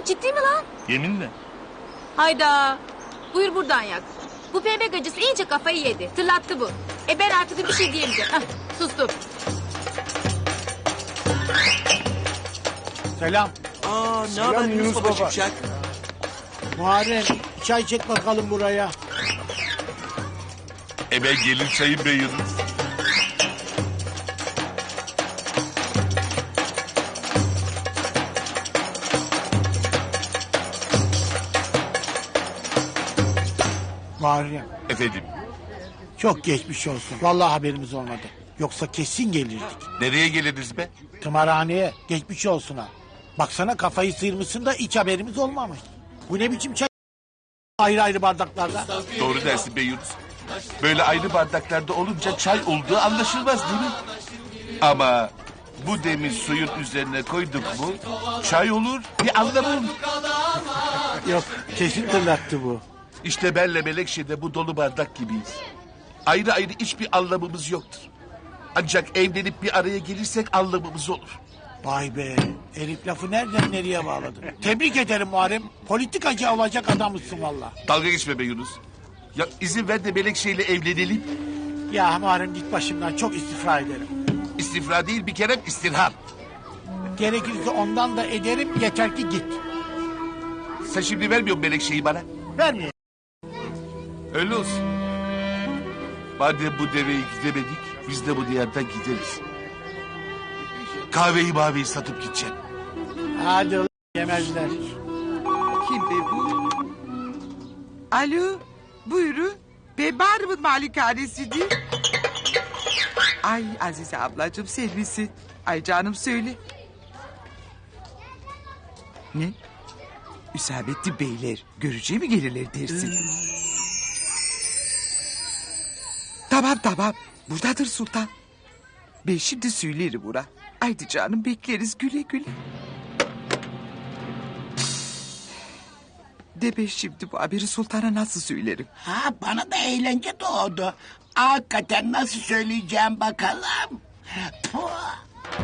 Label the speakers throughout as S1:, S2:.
S1: Ciddi mi lan?
S2: Yeminle.
S1: Hayda. Buyur buradan yak. Bu pembe gacısı iyice kafayı yedi. Tırlattı bu. Ben artık bir şey diyemeyeceğim. Hah, sustum.
S3: Selam.
S4: Ne haber Yunus Baba Çıkacak?
S3: Muharrem çay çek bakalım buraya.
S2: Ben gelir çayım be Yunus.
S3: Muharrem
S2: Efendim,
S3: çok geçmiş olsun. Vallahi haberimiz olmadı. Yoksa kesin gelirdik.
S2: nereye geliriz be?
S3: Tımarhaneye geçmiş olsun ha. Baksana kafayı sıyırmışsın da hiç haberimiz olmamış. Bu ne biçim çay? Ayrı ayrı bardaklarda.
S2: Doğru dersin be Yunus. Böyle ayrı bardaklarda olunca çay olduğu anlaşılmaz değil mi? Ama bu demir suyun üzerine koyduk mu çay olur, bir anlamı olur.
S3: Yok kesin tırlattı bu.
S2: İşte benle Melekşe'de bu dolu bardak gibiyiz. Ayrı ayrı hiçbir anlamımız yoktur. Ancak evlenip bir araya gelirsek anlamımız olur.
S3: Vay be. Elif lafı nereden nereye bağladın? Tebrik ederim Muharrem. Politikacı olacak adamısın valla.
S2: Dalga geçme be Yunus. Ya izin ver de Melekşe'yle evlenelim.
S3: Ya Muharrem git başımdan, çok istifra ederim.
S2: İstifra değil bir kere istirham.
S3: Gerekirse ondan da ederim, yeter ki git.
S2: Sen şimdi vermiyor musun Melekşe'yi bana?
S3: Vermiyor.
S2: Öyle olsun. Madem bu deveyi gidemedik, biz de bu diyardan gideriz. Kahveyi maveyi satıp gideceğim.
S3: Hadi ulan, yemezler.
S5: Kim be bu? Alo, buyurun. Ben Bağrı'nın malikanesiydi. Ay Azize ablacığım sen misin? Ay canım söyle. Ne? Hüsamettin beyler görücüye mi gelirler dersin? Tamam. Buradadır sultan. Ben şimdi söylerim ona. Haydi canım bekleriz güle güle. De ben şimdi bu haberi sultana nasıl söylerim?
S6: Ha, bana da eğlence doğdu. Hakikaten nasıl söyleyeceğim bakalım. Puh.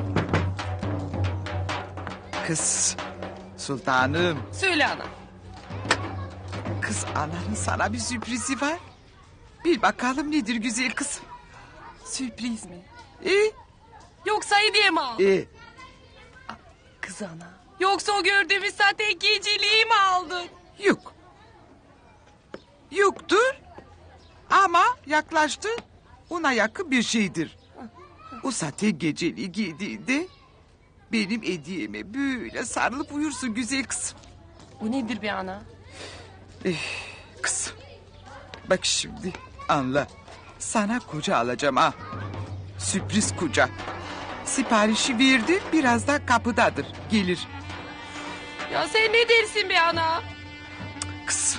S5: Kız, sultanım.
S1: Söyle ana.
S5: Kız ananın sana bir sürprizi var. Bil bakalım nedir güzel kızım.
S1: Sürpriz mi?
S5: E,
S1: Yoksa hediye mi aldın?
S7: Kız ana.
S1: Yoksa o gördüğümüz sahte geceliği mi aldın?
S5: Yok. Yoktur. Ama yaklaştı. Ona yakın bir şeydir. O zaten geceliği giydiğinde benim hediyeme böyle sarılıp uyursun güzel kızım.
S7: Bu nedir be ana?
S5: Kızım. Bak şimdi anla. Sana koca alacağım ha. Sürpriz koca. Siparişi verdim, birazdan kapıdadır. Gelir.
S7: Ya sen ne dersin be ana?
S5: Kızım.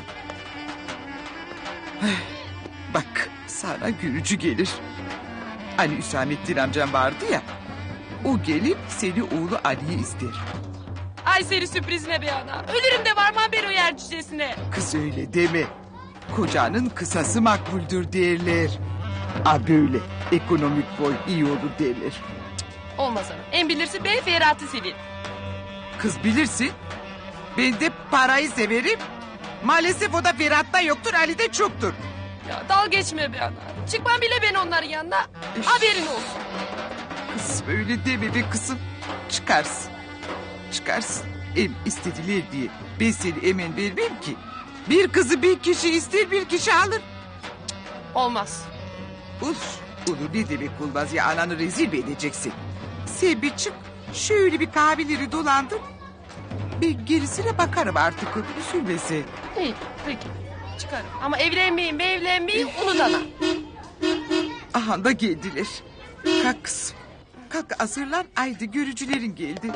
S5: Bak sana gülücü gelir. Hani Hüsamettin amcam vardı ya. O gelip seni oğlu Ali'ye ister.
S7: Ay seni sürprizine be ana. Ölürüm de varmam ben o yer cücesine.
S5: Kız öyle deme. Kocanın kısası makbuldür derler. A böyle ekonomik boy iyi olur derler.
S7: Olmaz ana. En bilirsin ben Ferhat'ı seveyim.
S5: Kız bilirsin. Ben de parayı severim. Maalesef o da Ferhat'ta yoktur, Ali'de çoktur.
S7: Ya dal geçme be ana. Çıkmam bile ben onların yanına. Haberin olsun.
S5: Kız böyle deme be kızım. Çıkarsın. Çıkarsın. İstediler diye ben seni emin vermem ki. Bir kızı bir kişi ister, bir kişi alır.
S7: Olmaz.
S5: Onu ne demek olmaz ya, ananı rezil mi edeceksin? Sen bir çık, şöyle bir kahveleri dolandır. Ben gerisine bakarım artık, onu üzülmese.
S7: İyi peki. Çıkarım. Ama evlenmeyin unut ana.
S5: Aha da geldiler. Kalk kızım. Kalk hazırlan, haydi görücülerin geldi.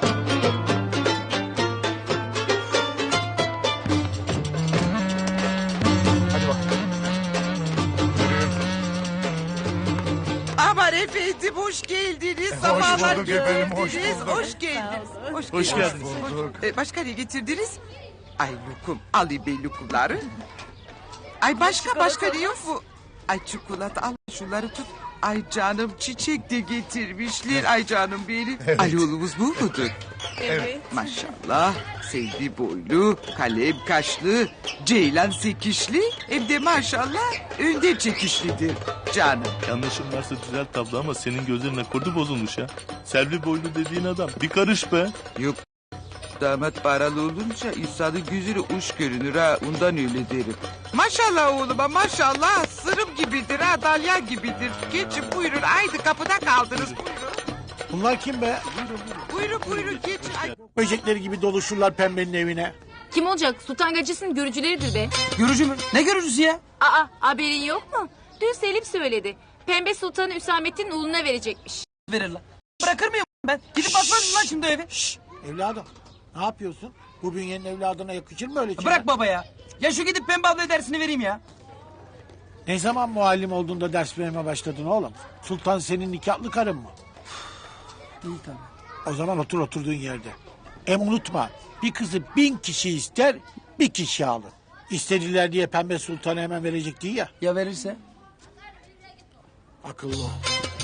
S5: Aman efendim hoş geldiniz. Sabahlar
S2: bulduk efendim, hoş
S5: geldiniz.
S2: bulduk.
S5: Hoş geldiniz.
S2: Hoş geldiniz.
S5: Başka ne getirdiniz? Ay lokum. Alayım ben lokumları. Ay başka ne yok mu? Ay çikolata al şunları tut. Ay canım çiçek de getirmişler. Ay canım benim. Ali oğlumuz bu mudur?
S7: Evet.
S5: Maşallah. Sevdi boylu, kalem kaşlı, ceylan sekişli. Hem de maşallah önde çekişlidir canım.
S8: Yanlışım varsa düzelt tablo ama senin gözlerine kurdu bozulmuş ha. Selvi boylu dediğin adam bir karış be.
S5: Yok. Damat paralı olunca insanın gözüne uç görünür ha. Ondan öyle derim. Maşallah oğluma maşallah. Sırım gibidir ha. Dalyan gibidir. Geçin buyurun. Haydi kapıda kaldınız. Buyurun.
S3: Bunlar kim be?
S5: Buyurun buyurun geçin. Ay.
S3: Böcekleri gibi doluşurlar pembenin evine.
S1: Kim olacak? Sultan gacısının görücüleridir be.
S4: Görücü mü? Ne görücüsü ya?
S1: Aa, haberin yok mu? Dün Selim söyledi. Pembe Sultan'ı Hüsamettin oğluna verecekmiş.
S4: Verir lan. Bırakır mıyım ben? Gidip bakmaz mı lan şimdi eve?
S3: Evladım ne yapıyorsun? Bu bünyenin evladına yakışır mı öyle şeyler?
S4: Bırak baba ya. Ya şu gidip Pembe abla dersini vereyim ya.
S3: Ne zaman muallim olduğunda ders vermeye başladın oğlum? Sultan senin nikahlı karın mı?
S4: İyi tamam.
S3: O zaman otur oturduğun yerde. Unutma bir kızı 1000 kişi ister bir kişi alır. İstediler diye Pembe Sultan'a hemen verecek değil ya.
S4: Ya verirse?
S3: Akıllı ol.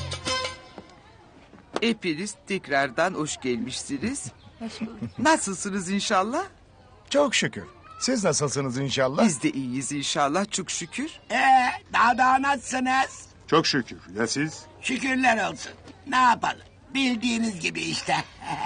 S5: Hepiniz tekrardan hoş gelmişsiniz. Nasılsınız inşallah?
S9: Çok şükür. Siz nasılsınız inşallah?
S5: Biz de iyiyiz inşallah çok şükür.
S6: Daha nasılsınız?
S9: Çok şükür. Ya siz?
S6: Şükürler olsun. Ne yapalım? Bildiğiniz gibi işte.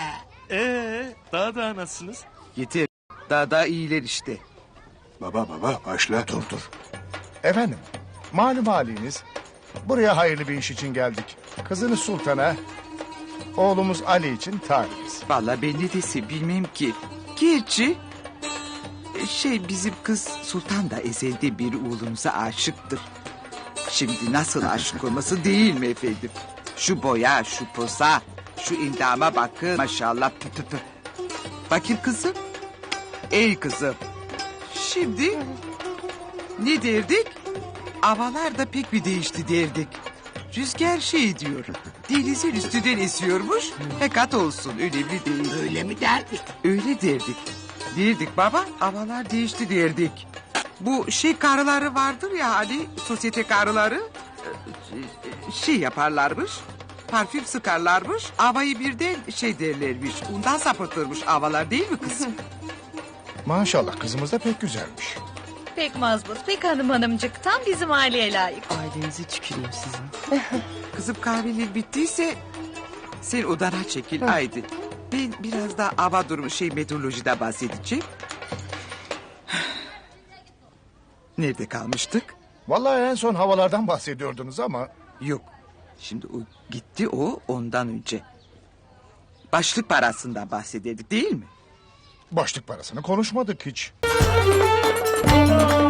S8: Daha nasılsınız?
S5: Yeter. Daha iyiler işte.
S9: Baba başla. Dur. Efendim, malum haliniz. Buraya hayırlı bir iş için geldik. Kızınız Sultan'a, oğlumuz Ali için talibiz.
S5: Vallahi ben ne desem bilmem ki. Gerçi bizim kız Sultan da ezelden beri oğlumuza aşıktır. Şimdi nasıl aşık olması değil mi efendim? Şu boya, şu posa, şu indama bakın. Maşallah pı pı pı. Bakayım kızım. Ey kızım. Şimdi ne derdik? Havalar da pek bir değişti derdik. Rüzgar diyor. Denizin üstünden esiyormuş. Fakat olsun önemli değil.
S6: Öyle mi derdik?
S5: Öyle derdik. Derdik baba havalar değişti derdik. Bu karıları vardır ya hani sosyete karıları yaparlarmış. Parfüm sıkarlarmış. Havayı birden derlermiş. Ondan sapıtırmış havalar değil mi kızım?
S9: Maşallah kızımız da pek güzelmiş.
S10: Pek mazbut, pek hanımcık. Tam bizim aileye layık.
S5: Ailenize tüküreyim sizin. Kızım kahveler bittiyse sen odana çekil haydi. Ben biraz daha hava durumu meteorolojiden bahsedeceğim. Nerede kalmıştık?
S9: Vallahi en son havalardan bahsediyordunuz ama...
S5: Yok. Şimdi o gitti ondan önce. Başlık parasından bahsederdik değil mi?
S9: ...başlık parasını konuşmadık hiç.